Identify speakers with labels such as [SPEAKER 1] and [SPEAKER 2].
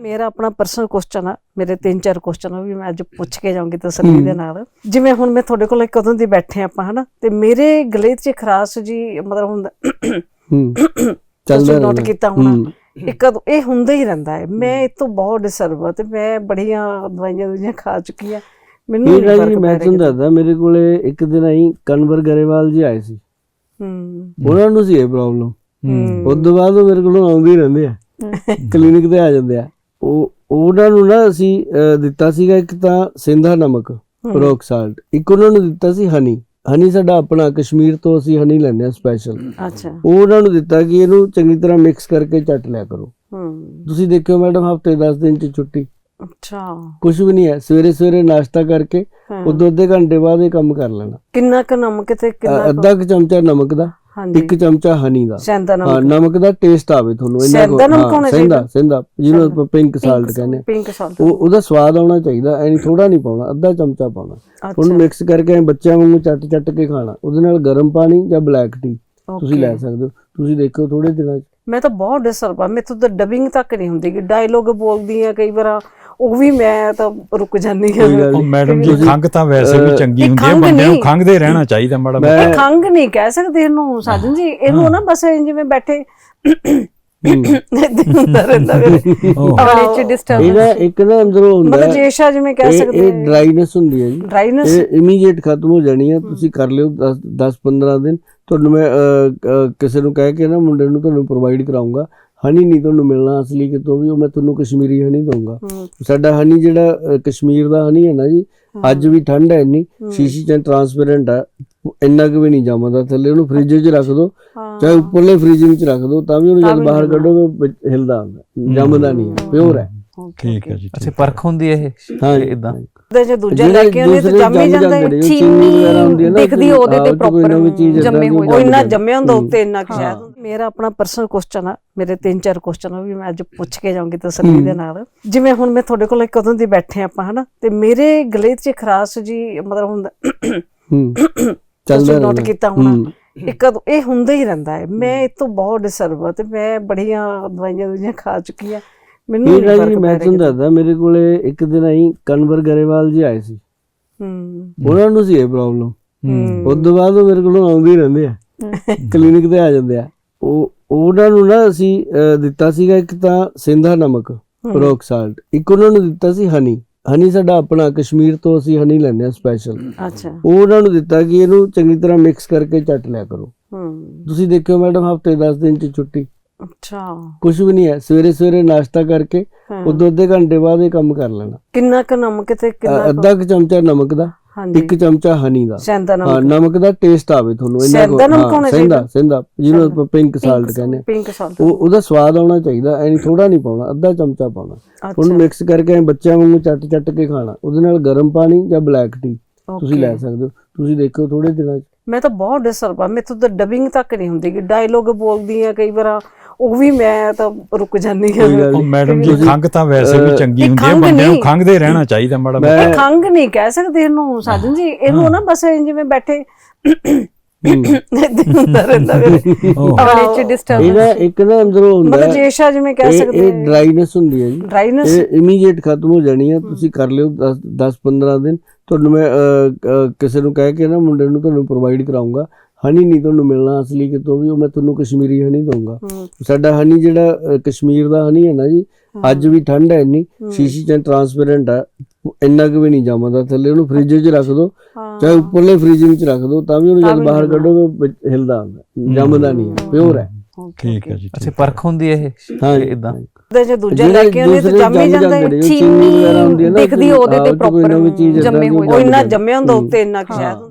[SPEAKER 1] ਮੇਰਾ ਆਪਣਾ personal question ਆ, ਮੇਰੇ 3-4 ਕੁਐਸਚਨ ਵੀ ਮੈਂ ਅੱਜ ਪੁੱਛ ਕੇ ਜਾਊਂਗੀ ਤਸੱਲੀ ਦੇ ਨਾਲ। ਜਿਵੇਂ ਹੁਣ ਮੈਂ ਤੁਹਾਡੇ ਕੋਲ ਕਦੋਂ ਦੀ ਬੈਠੇ ਆਪਾਂ ਹਨਾ, ਤੇ ਮੇਰੇ ਗਲੇ 'ਚ ਖਰਾਸ਼ ਜੀ ਮਤਲਬ ਹੁੰਦਾ ਚੱਲਦਾ ਨੋਟ ਕੀਤਾ ਹੋਣਾ, ਇੱਕ ਇਹ ਹੁੰਦਾ ਹੀ ਰਹਿੰਦਾ ਹੈ। ਮੈਂ ਇਹ ਤੋਂ ਬਹੁਤ ਡਿਸਟਰਬ ਆ ਤੇ ਮੈਂ ਬੜੀਆਂ ਦਵਾਈਆਂ ਖਾ ਚੁੱਕੀ ਆ, ਮੈਨੂੰ ਨਹੀਂ ਫਰਕ
[SPEAKER 2] ਮੈਂ ਤੁਹਾਨੂੰ ਦੱਸਦਾ, ਮੇਰੇ ਕੋਲੇ ਇੱਕ ਦਿਨ ਆਈ ਕਨਵਰ ਗਰੇਵਾਲ ਜੀ ਆਏ ਸੀ, ਉਹਨਾਂ ਨੂੰ ਸੀ ਇਹ ਪ੍ਰੋਬਲਮ। ਉਸ ਤੋਂ ਬਾਅਦ ਉਹ ਮੇਰੇ ਕੋਲੋਂ ਆਉਂਦੇ ਹੀ ਰਹਿੰਦੇ ਆ, ਕਲੀਨਿਕ ਤੇ ਆ ਜਾਂਦੇ ਆ। ਉਹਨਾਂ ਨੂੰ ਨਾ ਅਸੀਂ ਦਿੱਤਾ ਸੀਗਾ ਇੱਕ ਤਾਂ ਸਿੰਧਾ ਨਮਕ ਰੋਕ ਸਾਲਟ, ਇੱਕ ਉਹਨਾਂ ਨੂੰ ਦਿੱਤਾ ਸੀ ਹਨੀ ਸਾਡਾ ਆਪਣਾ ਕਸ਼ਮੀਰ ਤੋਂ ਅਸੀਂ ਹਨੀ ਲੈਂਦੇ ਆ ਸਪੈਸ਼ਲ।
[SPEAKER 1] ਅੱਛਾ,
[SPEAKER 2] ਉਹਨਾਂ ਨੂੰ ਦਿੱਤਾ ਕਿ ਇਹਨੂੰ ਚੰਗੀ ਤਰ੍ਹਾਂ ਮਿਕਸ ਕਰਕੇ ਚੱਟ ਲਿਆ ਕਰੋ। ਤੁਸੀਂ ਦੇਖਿਓ ਮੈਡਮ, ਹਫਤੇ 10 ਦਿਨ ਚ ਛੁੱਟੀ।
[SPEAKER 1] ਅੱਛਾ,
[SPEAKER 2] ਕੁਝ ਵੀ ਨਹੀਂ ਹੈ। ਸਵੇਰੇ ਨਾਸ਼ਤਾ ਕਰਕੇ ਉਦੋਂ ਅੱਧੇ ਘੰਟੇ ਬਾਅਦ ਇਹ ਕੰਮ ਕਰ ਲੈਣਾ।
[SPEAKER 1] ਕਿੰਨਾ ਕੁ ਨਮਕ ਤੇ ਕਿੰਨਾ
[SPEAKER 2] ਅੱਧਾ ਕੁ ਚਮਚਾ ਨਮਕ ਦਾ, ਇੱਕ ਚਮਚਾ ਹਨੀ ਦਾ। ਹਾਂ, ਨਮਕ ਦਾ ਟੇਸਟ ਆਵੇ ਤੁਹਾਨੂੰ। ਸਿੰਧਾ ਜਿਹਨੂੰ ਆਪਾਂ ਪਿੰਕ ਸਾਲਟ ਕਹਿੰਦੇ ਆ, ਉਹਦਾ ਸਵਾਦ ਆਉਣਾ ਚਾਹੀਦਾ। ਐਨੀ ਥੋੜਾ ਨਹੀਂ ਪਾਉਣਾ, ਅੱਧਾ ਚਮਚਾ ਪਾਉਣਾ। ਉਹਨੂੰ ਮਿਕਸ ਕਰਕੇ ਬੱਚਿਆਂ ਵਾਂਗੂ ਚੱਟ ਕੇ ਖਾਣਾ। ਉਹਦੇ ਨਾਲ ਗਰਮ ਪਾਣੀ ਜਾਂ ਬਲੈਕ ਟੀ ਤੁਸੀਂ ਲੈ ਸਕਦੇ ਹੋ। ਤੁਸੀਂ ਦੇਖੋ ਥੋੜੇ ਦਿਨਾਂ ਚ।
[SPEAKER 1] ਮੈਂ ਤਾਂ ਬਹੁਤ ਡਿਸਟਰਬ ਆ, ਮੈਥੋਂ ਤਾਂ ਡਬਿੰਗ ਤੱਕ ਨਹੀਂ ਹੁੰਦੀ, ਡਾਇਲੋਗ ਬੋਲਦੀ ਆ ਕਈ ਵਾਰ, ਉਹ ਵੀ ਮੈਂ ਤਾਂ ਰੁਕ ਜਾਂਦੀ ਹਾਂ।
[SPEAKER 3] ਮੈਡਮ ਜੀ, ਖੰਘ ਤਾਂ ਵੈਸੇ ਵੀ ਚੰਗੀ ਹੁੰਦੀ ਹੈ, ਬੰਦੇ ਨੂੰ ਖੰਘਦੇ ਰਹਿਣਾ ਚਾਹੀਦਾ ਮਾੜਾ ਮੋਟਾ।
[SPEAKER 1] ਖੰਘ ਨਹੀਂ ਕਹਿ ਸਕਦੇ ਇਹਨੂੰ ਸਾਜਨ ਜੀ, ਇਹਨੂੰ ਨਾ ਬਸ ਜਿਵੇਂ ਬੈਠੇ ਹੁੰਦਾ ਰਹਿੰਦਾ
[SPEAKER 2] ਇੱਕ ਨਾ ਅੰਦਰੋਂ ਹੁੰਦਾ,
[SPEAKER 1] ਮਤਲਬ ਜੇਸ਼ਾ ਜਿਵੇਂ ਕਹਿ ਸਕਦੇ।
[SPEAKER 2] ਇਹ ਡਰਾਈਨੈਸ ਹੁੰਦੀ ਹੈ ਜੀ, ਡਰਾਈਨੈਸ ਇਹ ਇਮੀਡੀਏਟ ਖਤਮ ਹੋ ਜਾਣੀ ਹੈ। ਤੁਸੀਂ ਕਰ ਲਿਓ 10-15 ਦਿਨ। ਤੁਹਾਨੂੰ ਮੈਂ ਕਿਸੇ ਨੂੰ ਕਹਿ ਕੇ ਨਾ ਮੁੰਡੇ ਨੂੰ ਤੁਹਾਨੂੰ ਪ੍ਰੋਵਾਈਡ ਕਰਾਉਂਗਾ। ਹਨੀ ਨਹੀਂ ਤੁਹਾਨੂੰ ਮਿਲਣਾ ਅਸਲੀ ਕਿਤੋਂ ਵੀ, ਉਹ ਮੈਂ ਤੁਹਾਨੂੰ ਕਸ਼ਮੀਰੀ ਹਨੀ ਦਊਂਗਾ। ਸਾਡਾ ਹਨੀ ਜਿਹੜਾ ਕਸ਼ਮੀਰ ਦਾ ਹਨੀ ਹੈ ਨਾ ਜੀ, ਅੱਜ ਵੀ ਠੰਡ ਹੈ ਇੰਨੀ, ਸ਼ੀਸ਼ੀ ਚ ਟਰਾਂਸਪੇਰੈਂਟ ਆ, ਇੰਨਾ ਕੁ ਵੀ ਨਹੀਂ ਜੰਮਦਾ ਥੱਲੇ। ਉਹਨੂੰ ਫ੍ਰਿਜ 'ਚ ਰੱਖ ਦੋ, ਚਾਹੇ ਉੱਪਰਲੇ ਫ੍ਰੀਜ਼ਿੰਗ 'ਚ ਰੱਖ ਦੋ, ਤਾਂ ਵੀ ਉਹਨੂੰ ਜਦ ਬਾਹਰ ਕੱਢੋਗੇ ਹਿਲਦਾ ਹੁੰਦਾ, ਜੰਮਦਾ ਨਹੀਂ ਹੈ, ਪਿਓਰ ਹੈ।
[SPEAKER 3] ਠੀਕ ਹੈ ਜੀ।
[SPEAKER 4] ਅੱਛਾ, ਪਰਖ ਹੁੰਦੀ ਇਹ
[SPEAKER 2] ਹਾਂ
[SPEAKER 4] ਇਦਾਂ
[SPEAKER 1] ਜੇ ਦੂਜਾ ਲੈ ਕੇ ਆਉਂਦੇ ਤੇ ਜੰਮ ਹੀ ਜਾਂਦਾ ਹੈ।
[SPEAKER 5] ਚੀਨੀ ਦਿਖਦੀ ਉਹਦੇ ਤੇ ਪ੍ਰੋਪਰ ਜੰਮੇ ਹੋਏ,
[SPEAKER 1] ਉਹ ਇੰਨਾ ਜੰਮਿਆ ਹੁੰਦਾ ਉੱਤੇ, ਇੰਨਾ ਕਿ ਸ਼ਾਇਦ। ਮੇਰਾ ਆਪਣਾ ਪਰਸਨਲ ਕੁਐਸਚਨ ਆ, ਮੇਰੇ 3-4 ਕੁਐਸਚਨ ਵੀ ਮੈਂ ਅੱਜ ਪੁੱਛ ਕੇ ਜਾਊਂਗੀ ਤਸੱਲੀ ਦੇ ਨਾਲ। ਜਿਵੇਂ ਹੁਣ ਮੈਂ ਤੁਹਾਡੇ ਕੋਲ ਕਦੋਂ ਦੀ ਬੈਠੇ ਆਪਾਂ ਹਨਾ, ਤੇ ਮੇਰੇ ਗਲੇ 'ਚ ਖਰਾਸ਼ ਜੀ ਮਤਲਬ ਹੁੰਦਾ ਚੱਲਦਾ ਨੋਟ ਕੀਤਾ ਹੋਣਾ, ਇੱਕ ਇਹ ਹੁੰਦਾ ਹੀ ਰਹਿੰਦਾ ਹੈ। ਮੈਂ ਇਹ ਤੋਂ ਬਹੁਤ ਡਿਸਟਰਬ ਆ ਤੇ ਮੈਂ ਬੜੀਆਂ ਦਵਾਈਆਂ ਖਾ ਚੁੱਕੀ ਆ, ਮੈਨੂੰ ਨਹੀਂ ਫਰਕ।
[SPEAKER 2] ਮੈਂ ਤੁਹਾਨੂੰ ਦੱਸਦਾ, ਮੇਰੇ ਕੋਲੇ ਇੱਕ ਦਿਨ ਆਈ ਕਨਵਰ ਗਰੇਵਾਲ ਜੀ ਆਏ ਸੀ, ਉਹਨਾਂ ਨੂੰ ਸੀ ਇਹ ਪ੍ਰੋਬਲਮ। ਉਸ ਤੋਂ ਬਾਅਦ ਉਹ ਮੇਰੇ ਕੋਲੋਂ ਆਉਂਦੇ ਹੀ ਰਹਿੰਦੇ ਆ, ਕਲੀਨਿਕ ਤੇ ਆ ਜਾਂਦੇ ਆ। ਉਹਨਾਂ ਨੂੰ ਨਾ ਅਸੀਂ ਦਿੱਤਾ ਸੀਗਾ ਇੱਕ ਤਾਂ ਸਿੰਧਾ ਨਮਕ ਰੋਕ ਸਾਲਟ, ਇੱਕ ਉਹਨਾਂ ਨੂੰ ਦਿੱਤਾ ਸੀ ਹਨੀ ਸਾਡਾ ਆਪਣਾ ਕਸ਼ਮੀਰ ਤੋਂ ਅਸੀਂ ਹਨੀ ਲੈਂਦੇ ਆ ਸਪੈਸ਼ਲ।
[SPEAKER 1] ਅੱਛਾ,
[SPEAKER 2] ਉਹਨਾਂ ਨੂੰ ਦਿੱਤਾ ਕਿ ਇਹਨੂੰ ਚੰਗੀ ਤਰ੍ਹਾਂ ਮਿਕਸ ਕਰਕੇ ਚੱਟ ਲਿਆ ਕਰੋ। ਤੁਸੀਂ ਦੇਖਿਓ ਮੈਡਮ, ਹਫਤੇ 10 ਦਿਨ ਚ ਛੁੱਟੀ।
[SPEAKER 1] ਅੱਛਾ,
[SPEAKER 2] ਕੁਝ ਵੀ ਨਹੀਂ ਹੈ। ਸਵੇਰੇ ਨਾਸ਼ਤਾ ਕਰਕੇ ਉਦੋਂ ਅੱਧੇ ਘੰਟੇ ਬਾਅਦ ਇਹ ਕੰਮ ਕਰ ਲੈਣਾ।
[SPEAKER 1] ਕਿੰਨਾ ਕੁ ਨਮਕ ਤੇ ਕਿੰਨਾ
[SPEAKER 2] ਅੱਧਾ ਕੁ ਚਮਚਾ ਨਮਕ ਦਾ, ਇੱਕ ਚਮਚਾ ਹਨੀ ਦਾ। ਹਾਂ, ਨਮਕ ਦਾ ਟੇਸਟ ਆਵੇ ਤੁਹਾਨੂੰ। ਸਿੰਧਾ ਜਿਹਨੂੰ ਆਪਾਂ ਪਿੰਕ ਸਾਲਟ ਕਹਿੰਦੇ ਆ, ਉਹਦਾ ਸਵਾਦ ਆਉਣਾ ਚਾਹੀਦਾ। ਐਨੀ ਥੋੜਾ ਨਹੀਂ ਪਾਉਣਾ, ਅੱਧਾ ਚਮਚਾ ਪਾਉਣਾ। ਉਹਨੂੰ ਮਿਕਸ ਕਰਕੇ ਬੱਚਿਆਂ ਵਾਂਗੂ ਚੱਟ ਕੇ ਖਾਣਾ। ਉਹਦੇ ਨਾਲ ਗਰਮ ਪਾਣੀ ਜਾਂ ਬਲੈਕ ਟੀ ਤੁਸੀਂ ਲੈ ਸਕਦੇ ਹੋ। ਤੁਸੀਂ ਦੇਖੋ ਥੋੜੇ ਦਿਨਾਂ ਚ।
[SPEAKER 1] ਮੈਂ ਤਾਂ ਬਹੁਤ ਡਿਸਟਰਬ ਆ, ਮੈਥੋਂ ਤਾਂ ਡਬਿੰਗ ਤੱਕ ਨਹੀਂ ਹੁੰਦੀ, ਡਾਇਲੋਗ ਬੋਲਦੀ ਆ ਕਈ ਵਾਰ, ਉਹ ਵੀ ਮੈਂ ਤਾਂ ਰੁਕ ਜਾਂਦੀ ਹਾਂ।
[SPEAKER 3] ਮੈਡਮ ਜੀ, ਖੰਘ ਤਾਂ ਵੈਸੇ ਵੀ ਚੰਗੀ ਹੁੰਦੀ ਹੈ, ਬੰਦੇ ਨੂੰ ਖੰਘਦੇ ਰਹਿਣਾ ਚਾਹੀਦਾ ਮਾੜਾ ਮੋਟਾ।
[SPEAKER 1] ਖੰਘ ਨਹੀਂ ਕਹਿ ਸਕਦੇ ਇਹਨੂੰ ਸਾਜਨ ਜੀ, ਇਹਨੂੰ ਨਾ ਬਸ ਜਿਵੇਂ ਬੈਠੇ ਹੁੰਦਾ ਰਹਿੰਦਾ
[SPEAKER 2] ਇੱਕ ਨਾ ਅੰਦਰੋਂ ਹੁੰਦਾ,
[SPEAKER 1] ਮਤਲਬ ਜੇਸ਼ਾ ਜਿਵੇਂ ਕਹਿ ਸਕਦੇ।
[SPEAKER 2] ਇਹ ਡਰਾਈਨੈਸ ਹੁੰਦੀ ਹੈ ਜੀ, ਡਰਾਈਨੈਸ ਇਹ ਇਮੀਡੀਏਟ ਖਤਮ ਹੋ ਜਾਣੀ ਹੈ। ਤੁਸੀਂ ਕਰ ਲਿਓ 10-15 ਦਿਨ। ਤੁਹਾਨੂੰ ਮੈਂ ਕਿਸੇ ਨੂੰ ਕਹਿ ਕੇ ਨਾ ਮੁੰਡੇ ਨੂੰ ਤੁਹਾਨੂੰ ਪ੍ਰੋਵਾਈਡ ਕਰਾਉਂਗਾ। ਹਨੀ ਨਹੀਂ ਤੁਹਾਨੂੰ ਮਿਲਣਾ ਅਸਲੀ ਕਿਤੋਂ ਵੀ, ਉਹ ਮੈਂ ਤੁਹਾਨੂੰ ਕਸ਼ਮੀਰੀ ਹਨੀ ਦਊਂਗਾ। ਸਾਡਾ ਹਨੀ ਜਿਹੜਾ ਕਸ਼ਮੀਰ ਦਾ ਹਨੀ ਹੈ ਨਾ ਜੀ, ਅੱਜ ਵੀ ਠੰਡ ਹੈ ਇੰਨੀ, ਸ਼ੀਸ਼ੀ ਚ ਟਰਾਂਸਪੇਰੈਂਟ ਆ, ਇੰਨਾ ਕੁ ਵੀ ਨਹੀਂ ਜੰਮਦਾ ਥੱਲੇ। ਉਹਨੂੰ ਫ੍ਰਿਜ 'ਚ ਰੱਖ ਦੋ, ਚਾਹੇ ਉੱਪਰਲੇ ਫ੍ਰੀਜ਼ਿੰਗ 'ਚ ਰੱਖ ਦੋ, ਤਾਂ ਵੀ ਉਹਨੂੰ ਜਦ ਬਾਹਰ ਕੱਢੋਗੇ ਹਿਲਦਾ ਹੁੰਦਾ, ਜੰਮਦਾ ਨਹੀਂ ਹੈ, ਪਿਓਰ ਹੈ।
[SPEAKER 3] ਠੀਕ ਹੈ ਜੀ।
[SPEAKER 4] ਅੱਛਾ, ਪਰਖ ਹੁੰਦੀ ਇਹ
[SPEAKER 2] ਹਾਂ
[SPEAKER 4] ਇਦਾਂ
[SPEAKER 1] ਜੇ ਦੂਜਾ ਲੈ ਕੇ ਆਉਂਦੇ ਤੇ ਜੰਮ ਹੀ ਜਾਂਦਾ ਹੈ।
[SPEAKER 5] ਚੀਨੀ ਦਿਖਦੀ ਉਹਦੇ ਤੇ ਪ੍ਰੋਪਰ ਜੰਮੇ ਹੋਏ,
[SPEAKER 1] ਉਹ ਇੰਨਾ ਜੰਮਿਆ ਹੁੰਦਾ ਉੱਤੇ, ਇੰਨਾ ਕਿ ਸ਼ਾਇਦ।